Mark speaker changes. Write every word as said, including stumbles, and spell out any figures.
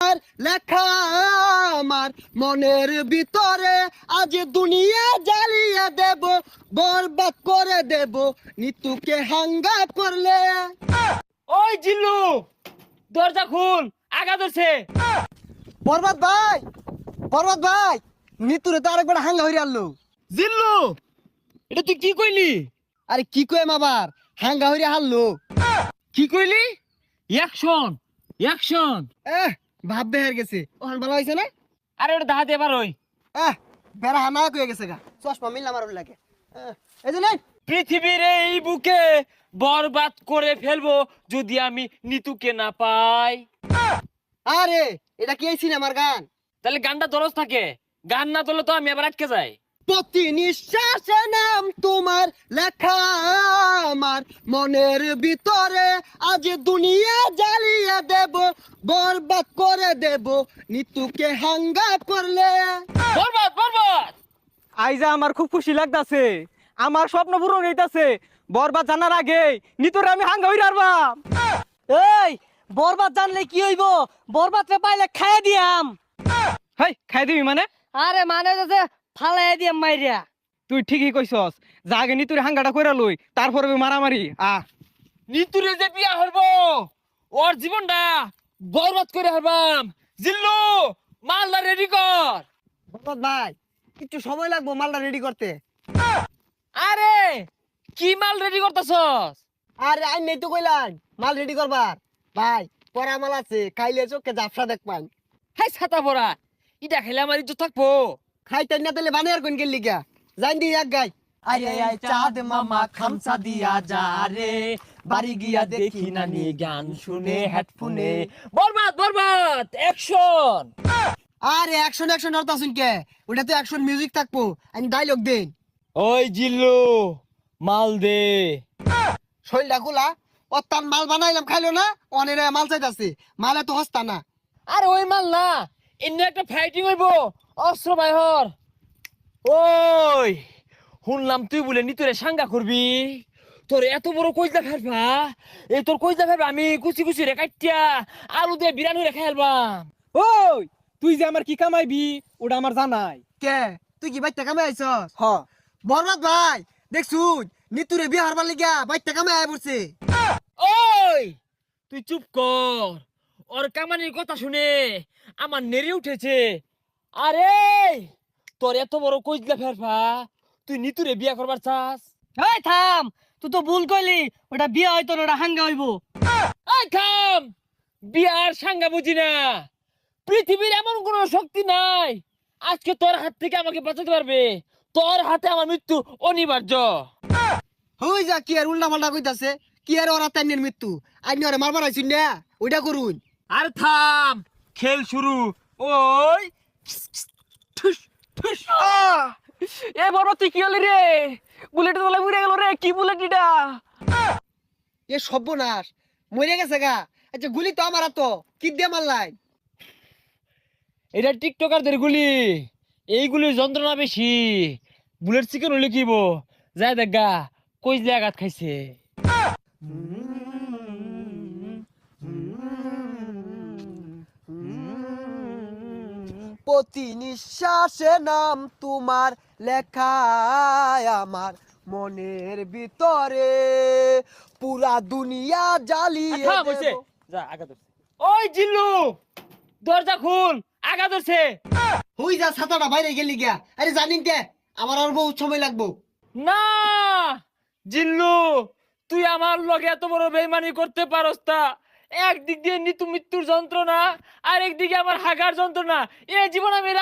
Speaker 1: আর লেখা আমার মনের ভিতরে আজ দুনিয়া জ্বালিয়ে দেব, বরবাদ করে দেব নিতুকে হাঙ্গা করলে।
Speaker 2: ওই জিল্লু, দরজা খুল, আগা ধরছে।
Speaker 1: বরবাদ ভাই, বরবাদ ভাই, নিতুরে তো আরেকবার হাঙ্গা হইরে আনলো।
Speaker 2: জিল্লু, এটা তুই কি কইলি?
Speaker 1: আরে কি কইম আবার, হাঙ্গা হইরে হারলো।
Speaker 2: কি কইলি? Action, action.
Speaker 1: এহ ভাব বেহার গেছে, ওখান ভালো হয়েছে না?
Speaker 2: আরে ওটা দাহাতে এবার ওই
Speaker 1: এহ বেড়া হানা কয়ে গেছে গা, চশমা মিললাম আর লাগে। এহ, এই যে নেন।
Speaker 2: পৃথিবীর এই বুকে বরবাদ করে ফেলবো যদি আমি নিতুকে না পাই।
Speaker 1: আরে এটা কি এই সিনেমার গান?
Speaker 2: তাহলে গানটা দরজ থাকে, গান না তোলে তো আমি আবার আটকে যাই।
Speaker 1: প্রতি নিঃশ্বাসে নাম তোমার লেখা আমার মনের ভিতরে আজ দুনিয়া জ্বালিয়ে দেব, বরবাদ করে দেব নিতুকে হাঙ্গা করলে।
Speaker 2: বরবাদ, বরবাদ।
Speaker 3: আইজা আমার খুব খুশি লাগতাছে, আমার স্বপ্ন পূরণ হইতাছে। বরবাদ জানার আগে নিতরে আমি হাঙ্গা হইরা আরবাম।
Speaker 4: এই বরবাদ জানলে কি হইব? বরবাদ রে পাইলে খাইয়া দিয়াম।
Speaker 3: হেই খাই দিবি মানে?
Speaker 4: আরে মানে যে ফালাই দিয়াম মাইরিয়া।
Speaker 3: তুই ঠিকই কইছস, যা আগে নিতুরে হাঙ্গাটা কইরা লই, তারপরে মারামারি। আ
Speaker 2: নিতুরে যে বিয়া হইব, ওর জীবনটা বরবাদ করে হারবাম। জিল্লু, মালদা রেডি কর।
Speaker 1: বরবাদ ভাই একটু সময় লাগবো মালটা রেডি করতে।
Speaker 2: আরে কি মাল রেডি করতেছস?
Speaker 1: আরে আই নেই তো কইলাম মাল রেডি করবার। ভাই পরা মাল আছে, খাইলে চোখে জাফসা দেখবান।
Speaker 2: হাই ছাতা পড়া, ইটা খেলে আমার ইজ্জত থাকবো।
Speaker 1: খাইতেন না তাহলে বানিয়ার কোন গেলি গা, জান দি এক গাই।
Speaker 2: আরে আয় চাঁদ মামা খামসা দিয়া যা রে, বাড়ি গিয়া দেখি নানি গান শুনে হেডফোনে। বরবাদ, বরবাদ, অ্যাকশন।
Speaker 1: আরে অ্যাকশন অ্যাকশন হরতা শুন কে, ওটা তো অ্যাকশন মিউজিক থাকবো, আমি ডায়লগ দেন।
Speaker 2: ওই জিল্লু, মাল দে।
Speaker 1: শৈলটা গুলা অত্যান মাল বানাইলাম খাইলো না, অনেরে মাল চাইতাছে, মালে তো হস্তা না।
Speaker 2: আরে ওই মাল না, এমনি একটা ফাইটিং হইব, অস্ত্র বাইহর। ওই শুনলাম তুই বলে নিতরে সাঙ্গা করবি, তোর এত বড় কইজা ফেলবা, এই তোর কইজা ফেলবা আমি কুচি কুচি রে কাটিয়া আলু দিয়ে বিরানি রে খাইলবাম।
Speaker 3: ওই তুই যে আমার কি কামাইবি ওটা আমার জানাই।
Speaker 1: কে তুই কি বাইতে কামে আইছস?
Speaker 3: হ
Speaker 1: বরবাদ ভাই দেখছুন নিতুরে বিয়ে হারবার লিগা বাইতে কামে আয় পড়ছে।
Speaker 2: ওই তুই চুপ কর, ওর কামানির কথা শুনে আমার নেড়ে উঠেছে। আরে তোর এত বড় কইজলা ফেরফা, তুই নিতুরে বিয়া করবার চাস?
Speaker 4: এই থাম, তুই তো ভুল কইলি, ওটা বিয়া হইতো না, ওটা হাঙ্গা হইব।
Speaker 2: এই থাম, বিয়ার সাঙ্গা বুঝি না। পৃথিবীর এমন কোন শক্তি নাই আজকে তোর হাত থেকে আমাকে বাঁচাতে পারবে। তোর হাতে আমার মৃত্যু অনিবার্য।
Speaker 1: হই যা কি আর উল্টা পাল্টা কইতাছে, কি আর ওরা তাইনের মৃত্যু, আইনি ওরে মারবার আইছুন না, ওইটা করুন।
Speaker 2: আর থাম, খেল শুরু। ওই ঠুস ঠুস।
Speaker 3: এ বরবাদ তুই কি হলি রে? বুলেট তোলা উড়ে গেল রে, কি বুলেট এটা?
Speaker 1: এ সর্বনাশ, মরে গেছে গা। আচ্ছা গুলি তো আমার তো কি দিয়ে মারলাই?
Speaker 2: এটা টিকটকারদের গুলি, এইগুলির যন্ত্রণা বেশি। বুলেট চিকেন হলে কিব যায় দেখা কইজলে আঘাত খাইছে।
Speaker 1: প্রতি নিঃশ্বাসে নাম তোমার লেখা আমার মনের ভিতরে, পুরা দুনিয়া জ্বালিয়ে
Speaker 2: থাম হইছে,
Speaker 1: দেব।
Speaker 2: যা আগা ধরছে। ওই জিল্লু, দরজা খুল, আগা ধরছে।
Speaker 1: হই যা ছাতাটা বাইরে গেলি গিয়া, আরে জানিন কে আমার আর বহুত সময় লাগবো।
Speaker 2: না জিল্লু, তুই আমার লগে এত বড় বেইমানি করতে পারস তা? একদিক দিয়ে নিতু মৃত্যুর যন্ত্রণা, আর একদিকে আমার হাগার যন্ত্রণা। এ জীবন আমি